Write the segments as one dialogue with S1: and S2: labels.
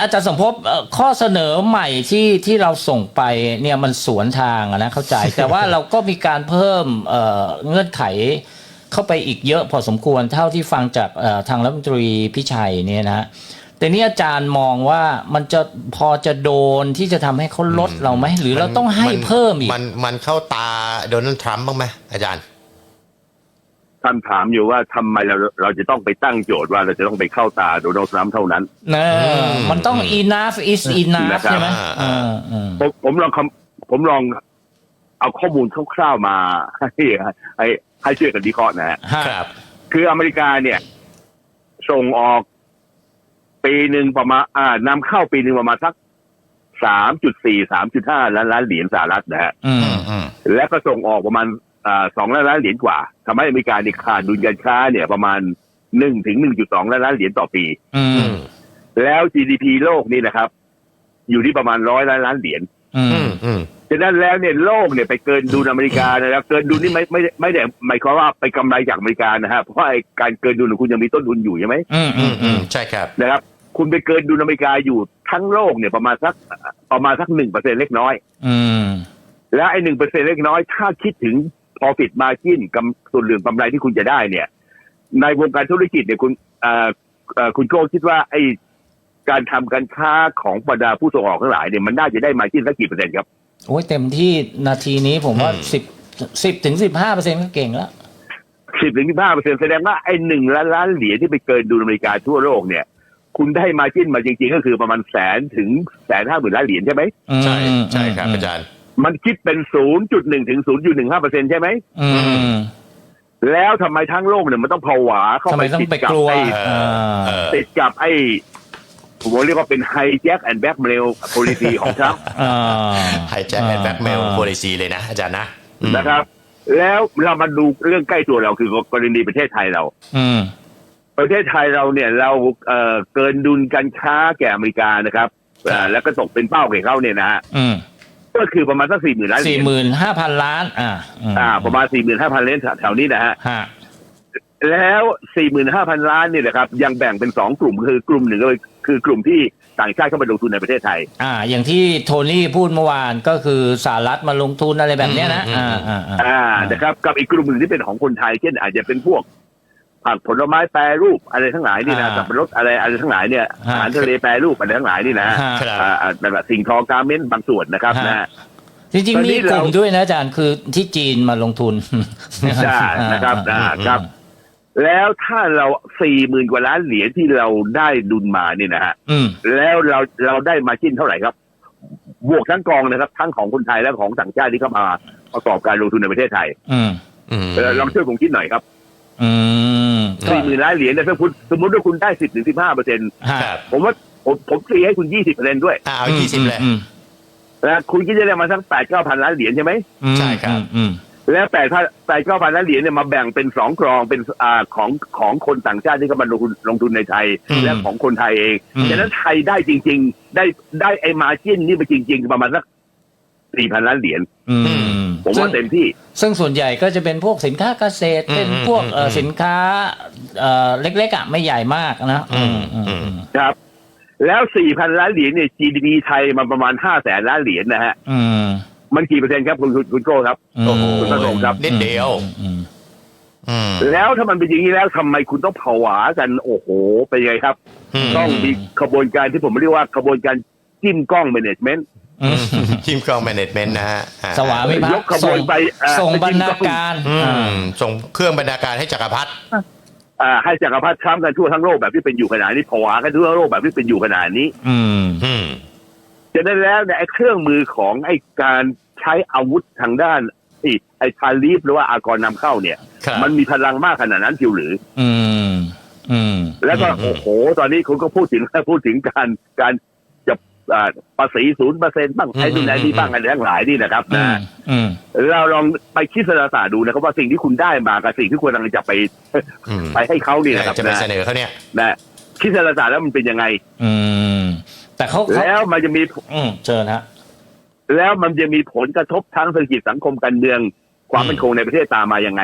S1: อาจารย์สมภพข้อเสนอใหม่ที่เราส่งไปเนี่ยมันสวนทางนะเข้าใจ แต่ว่าเราก็มีการเพิ่มเงื่อนไขเข้าไปอีกเยอะพอสมควรเท่าที่ฟังจากทางรัฐมนตรีพิชัยเนี่ยนะแต่นี่อาจารย์มองว่ามันจะพอจะโดนที่จะทำให้เขาลดเราไหมหรือเราต้องให้เพิ่มอีก
S2: มันเข้าตาโดนัลด์ทรัมป์บ้างไหมอาจารย์
S3: ท่านถามอยู่ว่าทำไมเราจะต้องไปตั้งโจทย์ว่าเราจะต้องไปเข้าตาโดนัลด์ทรัมป์เท่านั้น
S1: มันต้อง enough is enough ใช่ไหม
S3: ผมลองเอาข้อมูลคร่าวๆมาให้ช่วยกันวิเคราะห์นะครับคืออเมริกาเนี่ยส่งออกปีหนึ่งประมาณนำเข้าปีหนึ่งประมาณสัก 3.4-3.5 ล้านเหรียญสหรัฐนะฮะและก็ส่งออกประมาณ2 ล้านเหรียญกว่าทำให้อเมริกาเนี่ยขาดดุลการค้าเนี่ยประมาณ 1-1.2 ล้านเหรียญต่อปีแล้ว GDP โลกนี่นะครับอยู่ที่ประมาณ100 ล้านเหรียญฉะนั้นแล้วเนี่ยโลกเนี่ยไปเกินดุลอเมริกานะครับเกินดุลนี่ไม่ได้หมายความว่าไปกำไรจากอเมริกานะฮะเพราะการเกินดุลของคุณยังมีต้นทุนอยู่ใช่ไหม
S2: ใช่ครับ
S3: นะครับคุณไปเกินดุลอเมริกาอยู่ทั้งโลกเนี่ยประมาณสัก 1% เล็กน้อยแล้วไอ้ 1% เล็กน้อยถ้าคิดถึง profit margin ส่วนเหลือกำไรที่คุณจะได้เนี่ยในวงการธุรกิจเนี่ยคุณโก้คิดว่าไอ้การทำการค้าของบรรดาผู้ส่งออกทั้งหลายเนี่ยมันน่าจะได้ margin สักกี่เปอร์เซ็นต์ครับ
S1: โอ้ยเต็มที่นาทีนี้ผมว่า10-15% ก็เก่งแล้ว
S3: 10-15% แสดงว่าไอ้1 ล้านเหรียญที่ไปเกินดุลอเมริกาทั่วโลกเนี่ยคุณได้มาจิ้นมาจริงๆก็คือประมาณ100,000 ถึง 150,000 ล้านเหรียญใช่ไหม
S2: ใช่ครับอาจารย์
S3: มันคิดเป็น 0.1 ถึง 0.15% ใช่ไหมแล้วทำไมทั้งโลกเนี่ยมันต้องผวาเข้าไปติดกับไอ้ผมเรียกว่าเป็น hijack and blackmail policy ของทรัมป์
S2: hijack and blackmail policy เลยนะอาจารย์
S3: นะครับแล้วเรามาดูเรื่องใกล้ตัวเราคือกรณีประเทศไทยเราประเทศไทยเราเนี่ยเราเกินดุลการค้าแก่อเมริกานะครับแล้วก็ตกเป็นเป้าแก่เขาเนี่ยนะฮะก็คือประมาณสัก 40,000 ล้าน
S1: 45,000 ล้าน
S3: ประมาณ 45,000 ล้านแถวนี้นะฮะแล้ว 45,000 ล้านเนี่ยนะครับยังแบ่งเป็น2กลุ่มคือกลุ่มหนึ่งก็คือกลุ่มที่ต่างชาติเข้ามาลงทุนในประเทศไทย
S1: อย่างที่โทนี่พูดเมื่อวานก็คือสหรัฐมาลงทุนอะไรแบบนี้นะ
S3: นะครับกับอีกกลุ่มหนึ่งที่เป็นของคนไทยเช่นอาจจะเป็นพวกผักผลไม้แปรรูปอะไรทั้งหลายนี่นะสับปะรดอะไรทั้งหลายเนี่ยอาหารทะเลแปรรูปอะไรทั้งหลายนี่นะแบบสิ่งทอการ์เมนต์บางส่วนนะครับนะ
S1: จริงๆมีกลุ่มด้วยนะอาจารย์คือที่จีนมาลงทุน
S3: ใช่นะครับครับแล้วถ้าเรา 40,000 กว่าล้านเหรียญที่เราได้ดุลมาเนี่ยนะฮะแล้วเราได้มาจิ้นเท่าไหร่ครับบวกทั้งกองนะครับทั้งของคนไทยและของต่างชาติที่เข้ามาประกอบการลงทุนในประเทศไทยลองช่วยผมคิดหน่อยครับ40,000 ล้านเหรียญเนี่ยถ้าคุณสมมติว่าคุณได้ 10-15% ผมว่าผมตีให้คุณ 20% ด้วย
S2: เอา20เลย
S3: แล้วคุณคิดจะได้มาสัก 8-9,000 ล้านเหรียญใช่ไหม
S2: ใช่ครับ
S3: แล้ว8-9,000 ล้านเหรียญเนี่ยมาแบ่งเป็น2กองเป็นของคนต่างชาติที่เข้ามาลงทุนในไทยและของคนไทยเองฉะนั้นไทยได้จริงๆได้ไอ้มาร์จิ้นนี่มาจริงๆประมาณสัก 4,000 ล้านเหรียญผมว่าเต็มที่
S1: ซึ่งส่วนใหญ่ก็จะเป็นพวกสินค้าเกษตรเป็นพวกสินค้าเล็กๆไม่ใหญ่มาก
S3: นะครับแล้ว 4,000 ล้านเหรียญเนี่ย GDP ไทยมันประมาณ 500,000 ล้านเหรียญนะฮะมันกี่เปอร์เซ็นต์ครับคุณโก้ครับคุณประสงค์ครับ
S2: นิดเดียว
S3: แล้วถ้ามันเป็นอย่างนี้แล้วทำไมคุณต้องผวากันโอ้โหเป็นยังไงครับต้องมีขบวนการที่ผมเรียกว่าขบวนการจิ้มกล้องแมเนจเมนต์
S2: จิ้มกล้องแมเนจเมนต์นะฮะ
S1: สวามิภักดิ์ส่งบรรณาการ
S2: ส่งเครื่องบรรณาการให้จักรพรรดิ
S3: ให้จักรพรรดิทรัมป์กันทั่วทั้งโลกแบบที่เป็นอยู่ขนาดนี้ผวากันทั่วโลกแบบที่เป็นอยู่ขนาดนี้ฉะนั้นแล้วเนี่ยไอ้เครื่องมือของไอ้การใช้อาวุธทางด้านไอ้ทาริฟหรือว่าอากรนำเข้าเนี่ยมันมีพลังมากขนาดนั้นจริงหรือแล้วก็โอ้โหตอนนี้คุณก็พูดถึงการจะภาษี 0% บ้างไอ้นู่นไอ้นี่บ้างอะไรทั้งหลายนี่นะครับนะเราลองไปคิดศาสตร์ดูนะครับว่าสิ่งที่คุณได้มากับสิ่งที่คุณกำลังจะไปให้เขานี่นะครับ
S2: จะไปเสนอเขาเนี่ย
S3: นะคิดศาสตร์แล้วมันเป็นยังไง
S1: แต่เขา
S3: แล้วมันจะมี
S1: เชิญฮะ
S3: แล้วมันจะมีผลกระทบทางเศรษฐกิจสังคมการเมืองความมั่นคงในประเทศตามมายังไง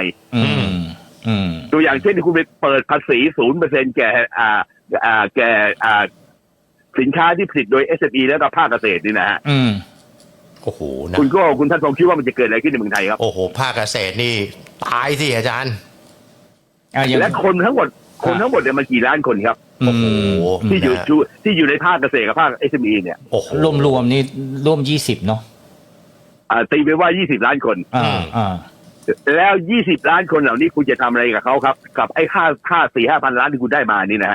S3: ตัวอย่างเช่นที่คุณไปเปิดภาษี 0% แก่สินค้าที่ผลิตโดย SME และก็ภาคเกษตรนี่นะฮะ
S2: โอ้โหนะ
S3: คุณท่านพงษ์คิดว่ามันจะเกิดอะไรขึ้นในเมืองไทยครับ
S2: โอ้โหภาคเกษตรนี่ตายสิอาจารย์
S3: และคนทั้งหมดเนี่ยมันกี่ล้านคนครับ
S2: โอ้โห
S3: ที่อยู่
S2: นะ
S3: ที่อยู่ในภาคเกษตรกับภาค SME เนี่ย
S2: โอ้โห
S1: รวมๆนี่ร่วม20เนาะ
S3: ตีไปว่า20ล้านคน แล้ว 20 ล้านคนเหล่านี้คุณจะทำอะไรกับเขาครับกับไอ้ค่า 4-5 พันล้านที่คุณได้มานี่นะฮะ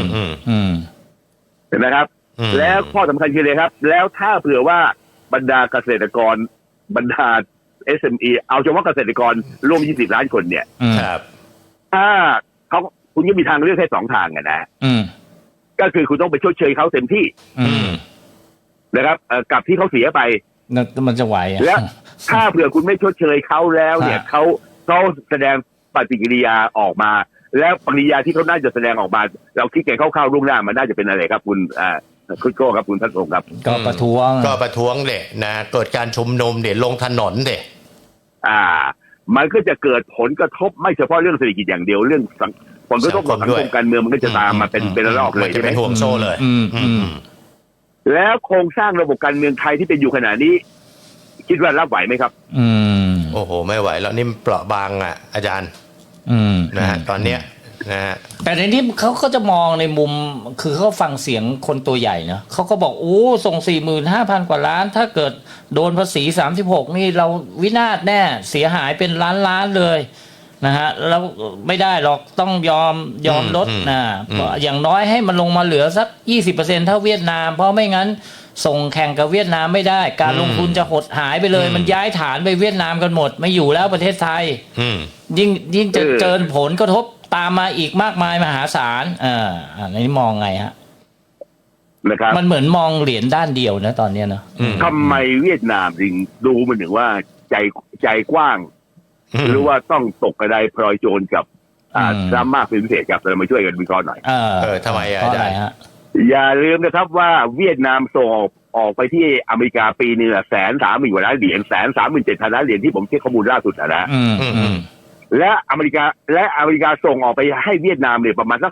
S3: เห็นไหมครับแล้วข้อสำคัญคือเลยครับแล้วถ้าเผื่อว่าบรรดาเกษตรกรบรรดา SME เอาเฉพาะเกษตรกรร่วม20ล้านคนเนี่ย
S2: ครับ
S3: ถ้าคุณก็มีทางเลือกแค่2ทางนะก็คือคุณต้องไปชดเชยเขาเต็มที่นะครับกับที่เขาเสียไป
S1: มันจะไหว
S3: แล้วถ้าเผื่อคุณไม่ชดเชยเขาแล้วเนี่ยเขาแสดงปฏิกิริยาออกมาแล้วปฏิกิริยาที่เขาน่าจะแสดงออกมาเราคิดกันคร่าวๆล่วงหน้ามันน่าจะเป็นอะไรครับคุณคุณโก้ครับคุณทัศน์ครับ
S1: ก็ประท้วง
S2: เด็นะเกิดการชุมนุมเด็ลงถนนเด็
S3: มันก็จะเกิดผลกระทบไม่เฉพาะเรื่องเศรษฐกิจอย่างเดียวเรื่องผลกระทบต่อสังคมการเมืองมันก็จะตามมาเป็นระลอกเลยใช่ไหม
S2: เป็นห่วงโซ่เลย
S3: แล้วโครงสร้างระบบการเมืองไทยที่เป็นอยู่ขณะนี้คิดว่ารับไหวไหมครับ
S2: โอ้โหไม่ไหวแล้วนี่เปราะบางอ่ะอาจารย์นะฮะตอนเนี้ยนะฮะ
S1: แต่ในนี้เขาก็จะมองในมุมคือเขาฟังเสียงคนตัวใหญ่นะเขาก็บอกโอ้ส่ง 45,000 กว่าล้านถ้าเกิดโดนภาษี36นี่เราวินาศแน่เสียหายเป็นล้านเลยนะฮะแล้วไม่ได้หรอกต้องยอมลดนะอย่างน้อยให้มันลงมาเหลือสัก 20% เท่าเวียดนามเพราะไม่งั้นส่งแข่งกับเวียดนามไม่ได้การลงทุนจะหดหายไปเลยมันย้ายฐานไปเวียดนามกันหมดไม่อยู่แล้วประเทศไทยยิ่งจะเจอผลกระทบตามมาอีกมากมายมหาศาลอันนี้มองไงฮะ
S3: นะครับ
S1: มันเหมือนมองเหรียญด้านเดียวนะตอนนี้นะ
S3: ทำไมเวียดนามถึงดูมันถึงว่าใจกว้างหรือว่าต้องตกกระไดพลอยโจรกับซ้ำมากเป็นพิเศษครับเรามาช่วยกันวิเคราะห์หน่อย
S2: ทำไมอาจารย์
S3: อย่าลืมนะครับว่าเวียดนามส่งออกไปที่อเมริกาปีนึง130,000 กว่าล้านเหรียญ137,000 ล้านเหรียญที่ผมเช็คข้อมูลล่าสุดนะและอเมริกาส่งออกไปให้เวียดนามเนี่ยประมาณสัก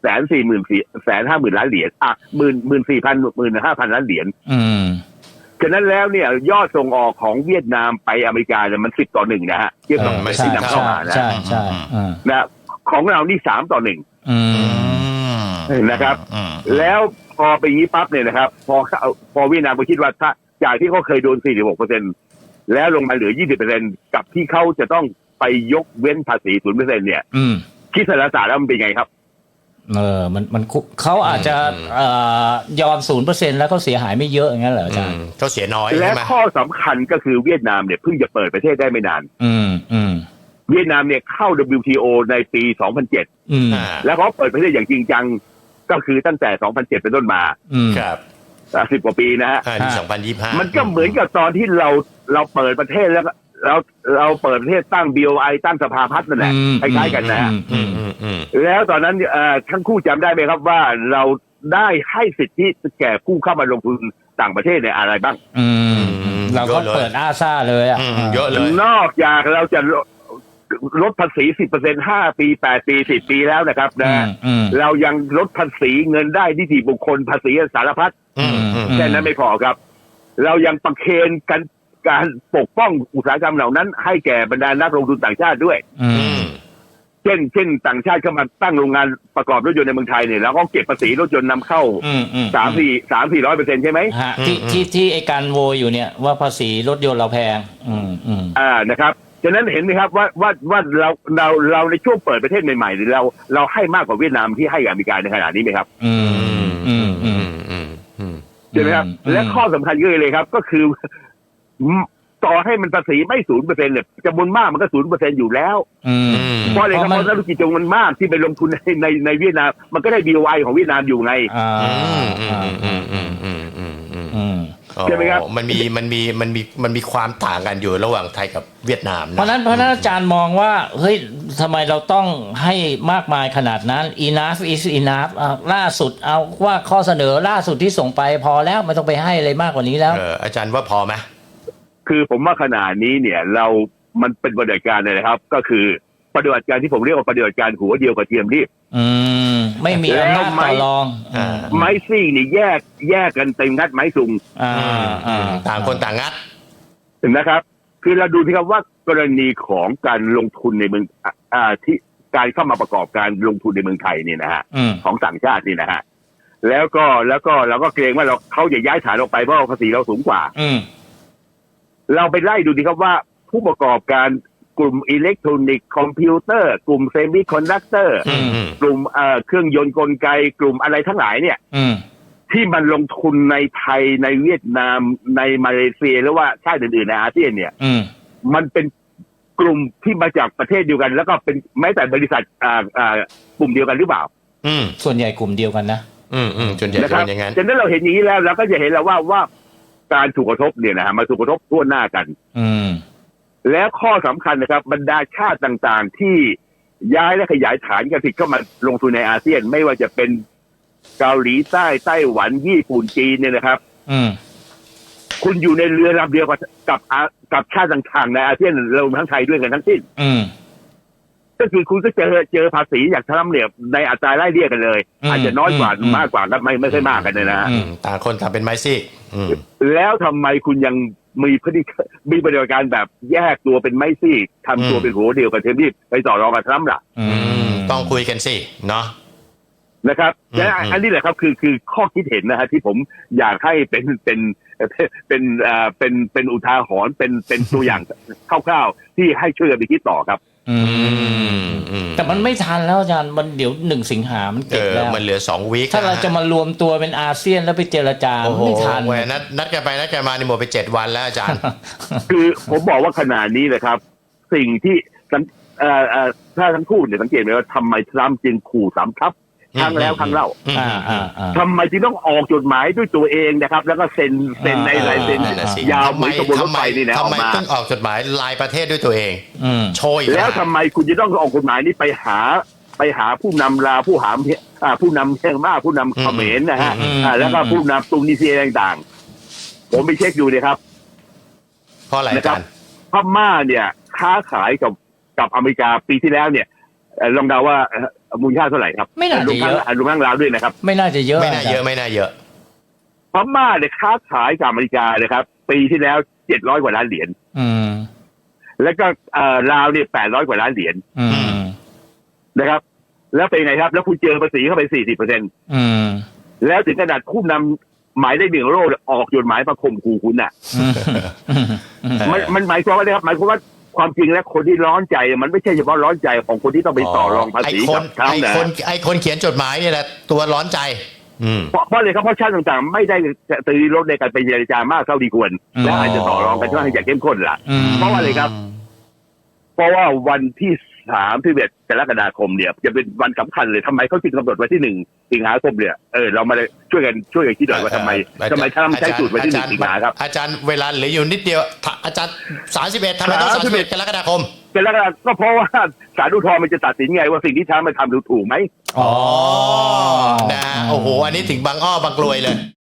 S3: 150,000 ล้านเหรียญ14,000-15,000 ล้านเหรียญฉะนั้นแล้วเนี่ยยอดส่งออกของเวียดนามไปอเมริกาเนี่ยมัน10-1นะฮะเทียบกับที่นำเข้ามานะ
S1: ใช่
S3: นะของเรานี่3-1นะครับแล้วพอไปงี้ปั๊บเนี่ยนะครับพอเวียดนามก็คิดว่าถ้าจากที่เขาเคยโดน 46% แล้วลงมาเหลือ 20% กับที่เขาจะต้องไปยกเว้นภาษี 0% เนี่ยคิดสารศาสตร์แล้วมันเป็นไงครับ
S1: มันเขาอาจจะยอม 0% แล้วเขาเสียหายไม่เยอะอย่างนั้นเหรออาจารย์
S2: เขาเสียน้อย
S3: และข้อสำคัญก็คือเวียดนามเนี่ยเพิ่งจะเปิดประเทศได้ไม่นานเวียดนามเนี่ยเข้า WTO ในปี 2007แล้วเขาเปิดประเทศอย่างจริงจังก็คือตั้งแต่ 2007 เป็นต้นมา
S2: ครับ
S3: 10 กว่าปีนะฮะ
S2: 2025
S3: มันก็เหมือนกับตอนที่เราเปิดประเทศแล้วเราเปิดประเทศตั้ง BOI ตั้งสภาพัฒน์นั่นแหละคล้ายๆกันนะฮะแล้วตอนนั้นทั้งคู่จำได้ไหมครับว่าเราได้ให้สิทธิแก่ผู้เข้ามาลงทุนต่างประเทศในอะไรบ้าง
S1: เราก็เปิดอาซาเลย
S2: เยอะเลย
S3: นอกจากเราจะลดภาษี 10% 5 ปี 8 ปี 10 ปีแล้วนะครับนะเรายังลดภาษีเงินได้นิติบุคคลภาษีสารพัดแค่นั้นไม่พอครับเรายังประเคนกันการปกป้องอุตสาหกรรมเหล่านั้นให้แก่บรรดานักลงทุนต่างชาติด้วยเช่นต่างชาติเข้ามาตั้งโรงงานประกอบรถยนต์ในเมืองไทยเนี่ยแล้วก็เก็บภาษีรถยนต์นำเข้า 300-400% ใช่ไหม
S1: ที่ไอการโวยอยู่เนี่ยว่าภาษีรถยนต์เราแพง
S3: นะครับฉะนั้นเห็นไหมครับว่าเราในช่วงเปิดประเทศใหม่ๆเราให้มากกว่าเวียดนามที่ให้อเมริกาในขณะนี้ไหมครับใช่ไหมครับและข้อสำคัญก็เลยครับก็คือต่อให้มันภาษีไม่ 0% เนี่ยจำนวนมากมันก็ 0% อยู่แล้วเพราะอะไรครับเพราะธุรกิจจำนวนมากที่ไปลงทุนในเวียดนามมันก็ได้ BOI ของเวียดนามอยู่ไงใช่ไหมครับ
S2: มันมีความต่างกันอยู่ระหว่างไทยกับเวียดนาม
S1: เพราะนั้นอาจารย์มองว่าเฮ้ยทำไมเราต้องให้มากมายขนาดนั้น enough is enough ล่าสุดเอาว่าข้อเสนอล่าสุดที่ส่งไปพอแล้วไม่ต้องไปให้อะไรมากกว่านี้แล้ว
S2: อาจารย์ว่าพอไหม
S3: คือผมว่าขนาดนี้เนี่ยมันเป็นปฏิบัติการเลยนะครับก็คือปฏิบัติการที่ผมเรียกว่าปฏิบัติการหัวเดียวกับเทียมรีบ
S1: ไม่มีอำนาจต่อรอง
S3: ไม้ซีกนี่แยกกันเต็มงัดไม้ซุง
S2: ต่างคนต่างงัด
S3: นะครับ คือเราดูที่ครับว่ากรณีของการลงทุนในเมืองที่การเข้ามาประกอบการลงทุนในเมืองไทยนี่นะฮะของต่างชาตินี่นะฮะแล้วก็เราก็เกรงว่าเขาจะย้ายฐานออกไปเพราะภาษีเราสูงกว่าเราไปไล่ดูดีครับว่าผู้ประกอบการกลุ่มอิเล็กทรอนิกส์คอมพิวเตอร์กลุ่มเซมิคอนดักเตอร์กลุ่มเครื่องยนต์กลไกกลุ่มอะไรทั้งหลายเนี่ยที่มันลงทุนในไทยในเวียดนามในมาเลเซียหรือว่าชาติอื่นๆในอาเซียนเนี่ยมันเป็นกลุ่มที่มาจากประเทศเดียวกันแล้วก็เป็นแม้แต่บริษัทกลุ่มเดียวกันหรือเปล่า
S1: ส่วนใหญ่กลุ่มเดียวกันนะ
S2: ส่วนใหญ่เป็นอย่างนั้น
S3: ฉะนั้นเราเห็นอย่างนี้แล้วเราก็จะเห็นแล้วว่าการถูกกระทบเนี่ยนะฮะมาถูกกระทบทั่วหน้ากันแล้วข้อสำคัญนะครับบรรดาชาติต่างๆที่ย้ายและขยายฐานการผลิตเข้ามาลงทุนในอาเซียนไม่ว่าจะเป็นเกาหลีใต้ไต้หวันญี่ปุ่นจีนเนี่ยนะครับคุณอยู่ในเรือลำเดียวกับชาติต่างๆในอาเซียนรวมทั้งไทยด้วยกันทั้งสิ้นก็คือคุณก็เจอภาษีจากทรัมป์เนี่ยในอัตราไล่เลี่ยกันเลยอาจจะน้อยกว่ามากกว่าไม่ใช่มากกันเลยนะ
S2: ต่างคนต่างเป็นไม้ซีก
S3: แล้วทำไมคุณยังมีปฏิบัติการแบบแยกตัวเป็นไม้ซีกทำตัวเป็นหัวเดียวกับเทมที่ไปต่อรองกับทรัมป์ล่ะ
S2: ต้องคุยกันสิเนาะ
S3: นะครับและอันนี้แหละครับคือข้อคิดเห็นนะฮะที่ผมอยากให้เป็นอุทาหรณ์เป็นตัวอย่างคร่าวๆที่ให้ช่วยกันไปคิดต่อครับ
S1: แต่มันไม่ทันแล้วอาจารย์มันเดี๋ยว1 สิงหามันเก็บแล้ว
S2: มันเหลือ2 วีค
S1: ถ้าเราจะมารวมตัวเป็นอาเซียนแล้วไปเจรจาไม่ทัน
S2: นัดกันไปนัดกันมานี่หมดไป7 วันแล้วอาจารย์
S3: คือผมบอกว่าขนาดนี้เลยครับสิ่งที่ถ้าทั้งคู่เนี่ยสังเกตไหมว่าทำไมทรัมป์จึงขู่3 ทัพครั้งแล้วครั้งเล่าทำไมจึงต้องออกจดหมายด้วยตัวเองนะครับแล้วก็เซ็นในลายเซ็นยาวเหมือนกระบวนรถไฟนี่นะ
S2: ทำไมต้องออกจดหมายลายประเทศด้วยตัวเองโชย
S3: แล้วทำไมคุณจะต้องออกกฎหมายนี้ไปหาผู้นำลาวผู้นำเมียนมาผู้นำเขมรนะฮะแล้วก็ผู้นำตุนิเซียต่างๆผมไปเช็คดูเลยครับ
S2: เพราะอะไรกัน
S3: พม่าเนี่ยค้าขายกับอเมริกาปีที่แล้วเนี่ยลองเดาว่ามูลค่าเท่าไหร่ครับ
S1: ไม่น่าจะเยอะ
S3: รวมทั้งลาวด้วยนะครับ
S1: ไม่น่าจะเยอะ
S2: ไม่น่าเยอะ
S3: พม่าเนี่ยค้าขายกับอเมริกาเลยครับปีที่แล้ว700 กว่าล้านเหรียญแล้วก็ลาวเนี่ย800 กว่าล้านเหรียญนะครับแล้วเป็นไงครับแล้วคุณเจอภาษีเข้าไป 40%แล้วถึงขนาดผู้นำหมายเลข1 โลกออกจดหมายมาข่มขู่คุณน่ะมันหมายความว่าอะไรครับหมายความว่าความจริงแล้วคนที่ร้อนใจมันไม่ใช่เฉพาะร้อนใจของคนที่ต้องไปต่อรองภาษีกับเขานะ
S2: ไอ้คนเขียนจดหมายเนี่ยแหละตัวร้อนใจ
S3: เพราะเลยครับเพราะชาติต่างๆไม่ได้ตีรถในการไปเจรจามากเท่าที่ควรและอาจจะต่อรองกันค่อนข้างจะเข้มข้นล่ะเพราะว่าอะไรครับเพราะว่าวันที่31 กรกฎาคมเนี่ยจะเป็นวันสำคัญเลยทำไมเขาจึงกำหนดไว้ที่1 สิงหาคมเนี่ยเรามาช่วยกันคิดหน่อยว่าทำไมทำใช้สูตรไว้ที่1 สิงหาครับ
S2: อาจารย์เวลาเหลืออยู่นิดเดียวอาจารย์31ทำไมต้อง31 กรกฎาคม
S3: ก็เพราะว่าศาลอุทธรณ์มันจะตัดสินไงว่าสิ่งที่ทำมันทำถูกไหม
S2: นะโอ้โหอันนี้ถึงบางอ้อบางกลวยเลย